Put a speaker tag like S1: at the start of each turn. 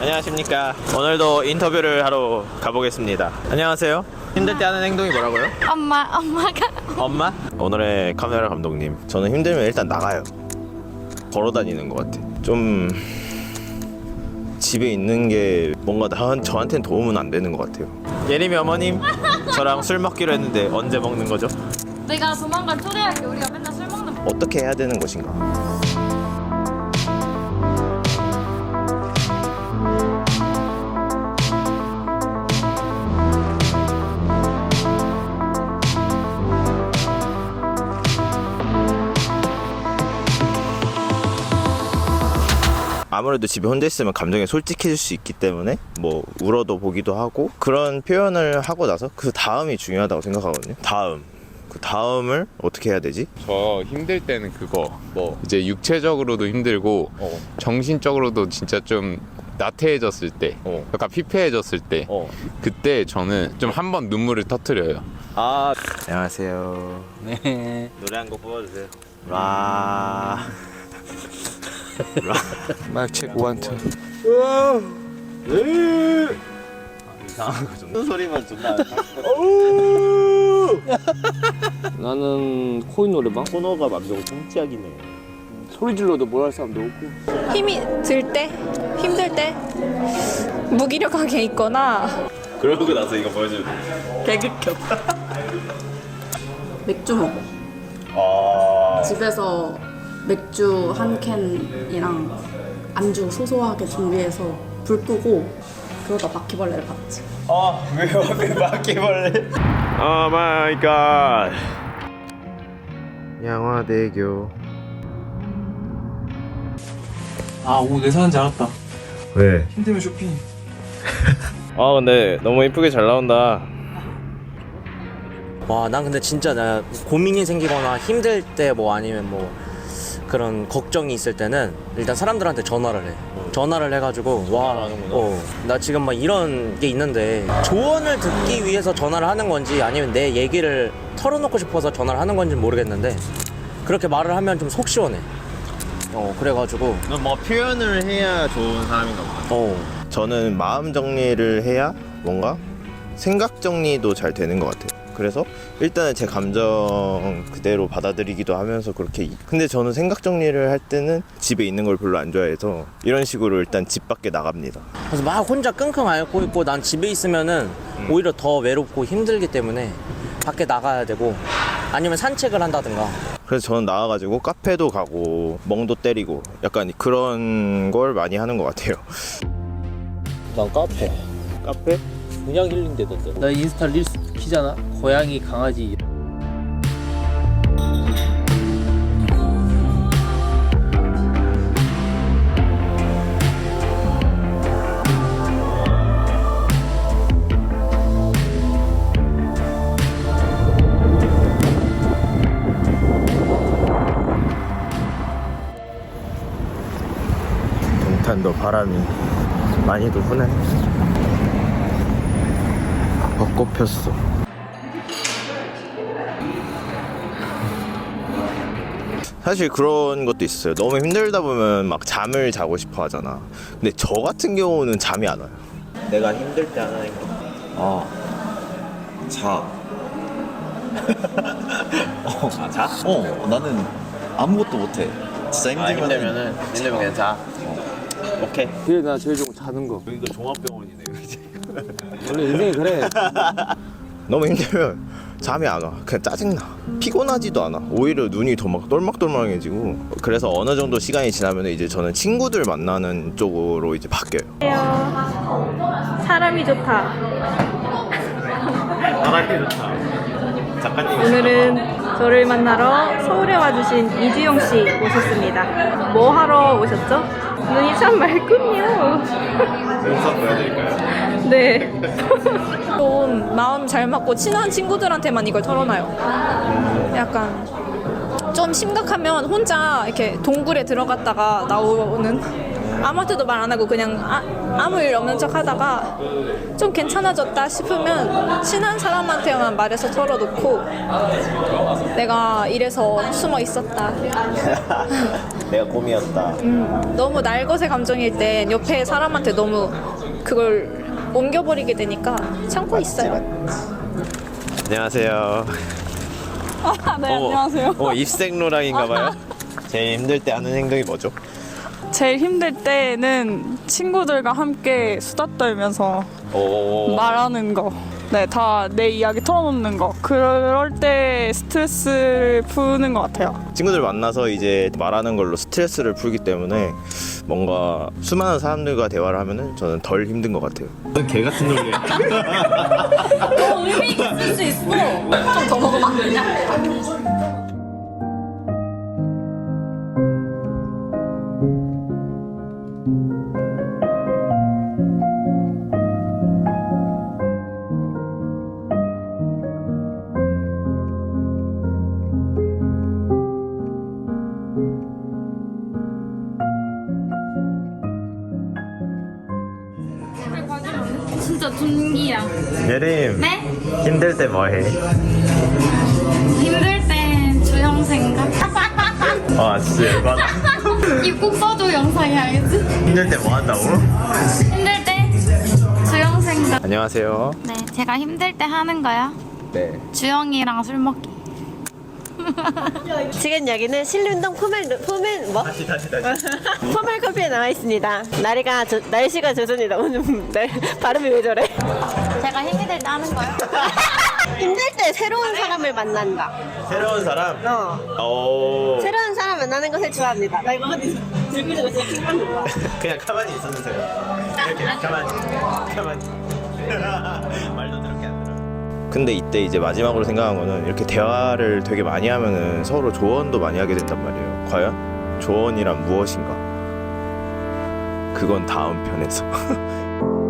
S1: 안녕하십니까. 오늘도 인터뷰를 하러 가보겠습니다. 안녕하세요. 힘들 때 하는 행동이 뭐라고요?
S2: 엄마가
S1: 엄마? 오늘의 카메라 감독님, 저는 힘들면 일단 나가요. 걸어 다니는 것 같아. 좀 집에 있는 게 뭔가 저한테는 도움은 안 되는 것 같아요. 예림이 어머님, 저랑 술 먹기로 했는데 언제 먹는 거죠?
S2: 내가 조만간 초대할게. 우리가 맨날 술 먹는
S1: 어떻게 해야 되는 것인가? 아무래도 집에 혼자 있으면 감정이 솔직해질 수 있기 때문에 뭐 울어도 보기도 하고 그런 표현을 하고 나서 그 다음이 중요하다고 생각하거든요. 그 다음을 어떻게 해야 되지?
S3: 저 힘들 때는 그거 뭐 이제 육체적으로도 힘들고 정신적으로도 진짜 좀 나태해졌을 때 약간 피폐해졌을 때 그때 저는 좀 한 번 눈물을 터뜨려요.
S1: 안녕하세요.
S4: 네.
S1: 노래 한 곡 뽑아주세요. 라.
S4: 마이크 체크 원 투.
S1: 이상한 거 좀. 소리만 존나.
S4: 나는 코인 노래방.
S1: 코너가 완전 뚱짝이네.
S4: 소리 질러도 뭘 할 사람도 없고.
S5: 힘이 들 때, 힘들 때 무기력하게 있거나
S1: 그러고 나서 이거 보여줘.
S6: 개극혐. 맥주 먹어. 집에서 맥주 한 캔이랑 안주 소소하게 준비해서 불 끄고 그러다 바퀴벌레를 봤지.
S1: 왜 어디 바퀴벌레? 오 마이 갓. 양화대교.
S4: 오늘 내 사연 잘 왔다.
S1: 왜?
S4: 힘들면 쇼핑.
S1: 근데 너무 이쁘게 잘 나온다.
S7: 와, 난 근데 진짜 나 고민이 생기거나 힘들 때 뭐 아니면 뭐 그런 걱정이 있을 때는 일단 사람들한테 전화를 해. 전화를 해가지고 나 지금 막 이런 게 있는데 조언을 듣기 위해서 전화를 하는 건지 아니면 내 얘기를 털어놓고 싶어서 전화를 하는 건지 모르겠는데 그렇게 말을 하면 좀 속 시원해. 그래가지고
S1: 넌 뭐 표현을 해야 좋은 사람인가 보다. 저는 마음 정리를 해야 뭔가 생각 정리도 잘 되는 것 같아요. 그래서 일단은 제 감정 그대로 받아들이기도 하면서 그렇게. 근데 저는 생각 정리를 할 때는 집에 있는 걸 별로 안 좋아해서 이런 식으로 일단 집 밖에 나갑니다.
S7: 그래서 막 혼자 끙끙 앓고 있고 난 집에 있으면은 오히려 더 외롭고 힘들기 때문에 밖에 나가야 되고 아니면 산책을 한다든가.
S1: 그래서 저는 나와가지고 카페도 가고 멍도 때리고 약간 그런 걸 많이 하는 것 같아요.
S4: 난 카페.
S1: 카페?
S4: 그냥 힐링되던데. 나 인스타 릴스 키잖아. 고양이, 강아지.
S1: 동탄도 바람이 많이도 부네. 벚꽃 폈어. 사실 그런 것도 있어요. 너무 힘들다 보면 막 잠을 자고 싶어 하잖아. 근데 저 같은 경우는 잠이 안 와요. 내가 힘들 때 하는 거.
S8: 자.
S1: 자?
S8: 나는 아무것도 못해. 진짜 힘들면
S1: 그냥 자. 오케이.
S4: 그래, 나 제일 좋은 거 자는 거.
S1: 여기가 종합병원이네.
S4: 원래 인생이 그래.
S1: 너무 힘들면 잠이 안 와. 그냥 짜증나. 피곤하지도 않아. 오히려 눈이 더 막 똘막똘막해지고. 그래서 어느 정도 시간이 지나면 이제 저는 친구들 만나는 쪽으로 이제 바뀌어요.
S5: 사람이 좋다.
S1: 사람이 좋다. 작가님.
S5: 오늘은 저를 만나러 서울에 와주신 이주영 씨 모셨습니다. 뭐 하러 오셨죠? 눈이 참 맑군요.
S1: 영상 보여드릴까요?
S5: 네. 좀 마음 잘 맞고 친한 친구들한테만 이걸 털어놔요. 약간 좀 심각하면 혼자 이렇게 동굴에 들어갔다가 나오는, 아무한테도 말 안 하고 그냥 아무 일 없는 척 하다가 좀 괜찮아졌다 싶으면 친한 사람한테만 말해서 털어놓고 내가 이래서 숨어 있었다.
S1: 내가 곰이었다.
S5: 너무 날것의 감정일 땐 옆에 사람한테 너무 그걸 옮겨버리게 되니까 참고 있어요.
S1: 안녕하세요.
S9: 네, 안녕하세요.
S1: 입생로랑인가봐요. 제일 힘들 때 하는 행동이 뭐죠?
S9: 제일 힘들 때는 친구들과 함께 수다 떨면서 말하는 거. 네, 다 내 이야기 털어놓는 거. 그럴 때 스트레스를 푸는 것 같아요.
S1: 친구들 만나서 이제 말하는 걸로 스트레스를 풀기 때문에 뭔가 수많은 사람들과 대화를 하면은 저는 덜 힘든 것 같아요. 개 같은 논리야.
S2: 의미 있을 수 있어. 좀 더 먹으면 안 되냐? 진짜 존기야.
S1: 예림.
S2: 네?
S1: 힘들 때 뭐 해?
S2: 힘들 땐 주형 생각.
S1: 아 진짜 열받아.
S2: 입국 써줘 영상 해야겠지?
S1: 힘들 때 뭐 한다고?
S2: 힘들 때 주형 생각.
S1: 안녕하세요.
S2: 네, 제가 힘들 때 하는 거요.
S1: 네.
S2: 주영이랑 술 먹기.
S10: 지금 여기는 신림동 포멜커피에 나와 있습니다. 날씨가 조선이 너무 좀 발음이 왜 저래?
S2: 제가 힘이 될 때 하는 거요.
S10: 힘들 때 새로운 사람을 만난다.
S1: 새로운 사람?
S10: 새로운 사람 만나는 것을 좋아합니다. 나 이거 어디 들고 있는 거 진짜 킹받는 거야.
S1: 그냥 가만히 있어주세요. 이렇게 가만히. 말도 더럽게 안 들어. 근데 이때 이제 마지막으로 생각한 거는 이렇게 대화를 되게 많이 하면은 서로 조언도 많이 하게 된단 말이에요. 과연 조언이란 무엇인가? 그건 다음 편에서.